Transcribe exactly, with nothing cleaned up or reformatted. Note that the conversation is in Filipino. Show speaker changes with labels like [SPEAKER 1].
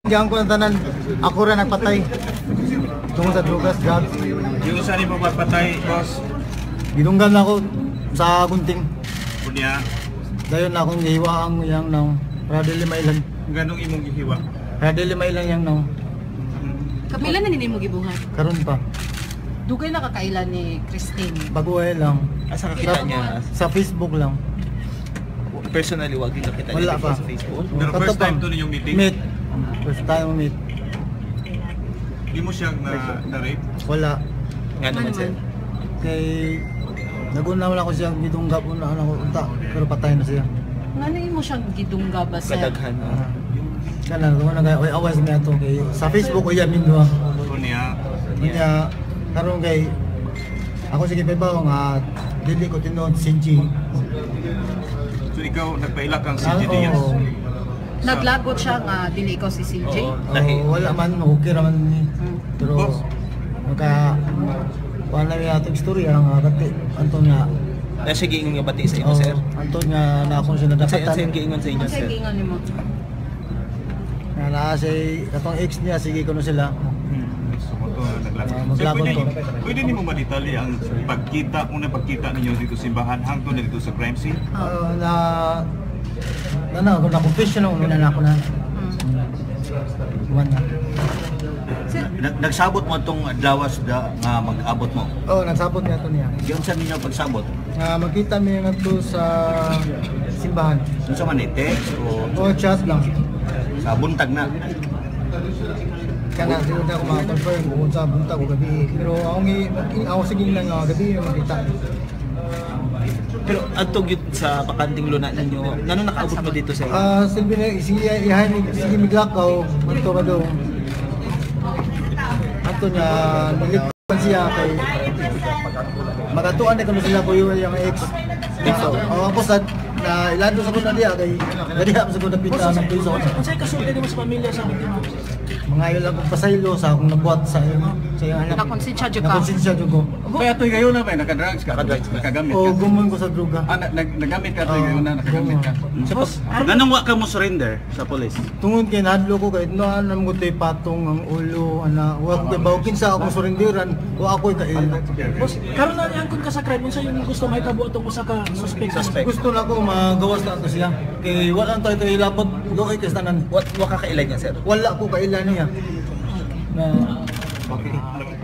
[SPEAKER 1] Diyan ko ng tanan, ako rin nagpatay. Tungkol sa drugas, drugs.
[SPEAKER 2] Yung saan mo magpatay, boss?
[SPEAKER 1] Gidunggan na ako sa gunting.
[SPEAKER 2] Kunya,
[SPEAKER 1] Dayon na akong gihiwa ang yang naong. Para dili mailan.
[SPEAKER 2] ganong imong gihiwa.
[SPEAKER 1] Para dili mailan yang naong.
[SPEAKER 3] Kapila na nini mo gibuhat.
[SPEAKER 1] Karon pa.
[SPEAKER 3] Dugay na kakailan ni Christine.
[SPEAKER 1] Baguhay lang.
[SPEAKER 4] Asa kakita niya?
[SPEAKER 1] Sa Facebook lang.
[SPEAKER 4] Personally, wag din nakita
[SPEAKER 1] Wala
[SPEAKER 4] niya
[SPEAKER 1] pa.
[SPEAKER 4] sa Facebook.
[SPEAKER 2] Pero
[SPEAKER 1] Kato
[SPEAKER 2] first time
[SPEAKER 1] pa.
[SPEAKER 2] to ninyong meeting?
[SPEAKER 1] Meet. First time meet.
[SPEAKER 2] Di mo siya na, na-rape?
[SPEAKER 1] Wala.
[SPEAKER 4] Nga naman sir.
[SPEAKER 1] Kay naguna wala ko siya gidungga po na ano unta pero patay na siya.
[SPEAKER 3] Ngano imo siyang gidungga ba sa
[SPEAKER 4] Kadaghan.
[SPEAKER 1] Ah. Kana ko na kay awas mi ato kay sa Facebook ko yamin do.
[SPEAKER 2] Kunya,
[SPEAKER 1] Kanya karon kay ako sige pa nga dili ko tinuod sinji.
[SPEAKER 2] so ikaw nagpaila kang si
[SPEAKER 1] Ah,
[SPEAKER 2] G Diaz?
[SPEAKER 1] oo.
[SPEAKER 3] naglagot siya nga dili ikaw si C J.
[SPEAKER 4] Oo.
[SPEAKER 1] Oo, wala man okay ra man ni.
[SPEAKER 3] Hmm.
[SPEAKER 1] Pero
[SPEAKER 2] Boss.
[SPEAKER 1] maka wala mi ato istorya nga kati anton nga
[SPEAKER 4] Nasa giingon nga bati sa inyo
[SPEAKER 1] oh,
[SPEAKER 4] sir.
[SPEAKER 1] anton nga na ako siya
[SPEAKER 4] Sa
[SPEAKER 1] nadapatan.
[SPEAKER 4] sa giingon sa inyo
[SPEAKER 3] Ang
[SPEAKER 4] sir.
[SPEAKER 3] sige nga nimo.
[SPEAKER 1] Nga naa si katong ex niya sige ko na sila.
[SPEAKER 2] So, mo to, naglagot.
[SPEAKER 1] Ah,
[SPEAKER 2] So,
[SPEAKER 1] maglagot
[SPEAKER 2] pwede,
[SPEAKER 1] to.
[SPEAKER 2] pwede ni mo madetali ang pagkita, unang pagkita ninyo dito sa simbahan hangtod na dito sa crime scene?
[SPEAKER 1] Uh, na na na ako na confession ako na na ako na.
[SPEAKER 3] Hmm.
[SPEAKER 1] One na.
[SPEAKER 3] Sir,
[SPEAKER 5] Nag- Nagsabot mo itong adlawas da, nga mag-abot mo.
[SPEAKER 1] Oh, nagsabot niya to niya.
[SPEAKER 5] Yun sa ninyo pagsabot.
[SPEAKER 1] Nga magkita mi nga to sa simbahan.
[SPEAKER 5] Yun sa manite o
[SPEAKER 1] O chat lang.
[SPEAKER 5] sa buntag na.
[SPEAKER 1] Kana siguro na ako ma-confirm kung sa buntag o gabi. Pero ako ngi ako sige lang nga gabi yung makita.
[SPEAKER 4] Pero adto gyud sa pakanting luna ninyo. Ngano nakaabot mo dito sir?
[SPEAKER 1] Ah, silbi na sige ihay ni sige miglakaw manto ka do. Ato niya nilippan siya kay magatuan na kami sila ko yung yung ex. So, oh, ako sa na ilado sa kuna diya kay gadiha sa kuna pita ng piso.
[SPEAKER 4] Unsay kasulti nimo sa pamilya sa biktima?
[SPEAKER 1] Mga yun lang kong pasaylo sa akong nabuhat sa sa iyang anak.
[SPEAKER 3] nakonsensya jud ka.
[SPEAKER 1] Nakonsensya jud ko.
[SPEAKER 2] Kaya ito'y gayon na ba? Naka-drugs ka? Nakagamit
[SPEAKER 1] O gumon ko sa droga.
[SPEAKER 2] Ah, nag- nagamit ka ito'y gayon na, nakagamit ka?
[SPEAKER 4] Boss,
[SPEAKER 5] Ganong wa ka mo surrender sa police?
[SPEAKER 1] Tungod kay nahadlo ko kay no anam ko tay patong ang ulo ana wa ko kay bawkin sa akong surindiran wa ako kay
[SPEAKER 6] Boss, karon na niangkon ka sa crime unsa yung gusto mahitabo atong usa ka suspect?
[SPEAKER 4] suspect.
[SPEAKER 1] gusto na ko magawas na ato siya kay wala ang tayo tayo lapot do kay tanan
[SPEAKER 4] What wa ka kailan niya sir?
[SPEAKER 1] wala ko kailan niya na
[SPEAKER 4] Okay.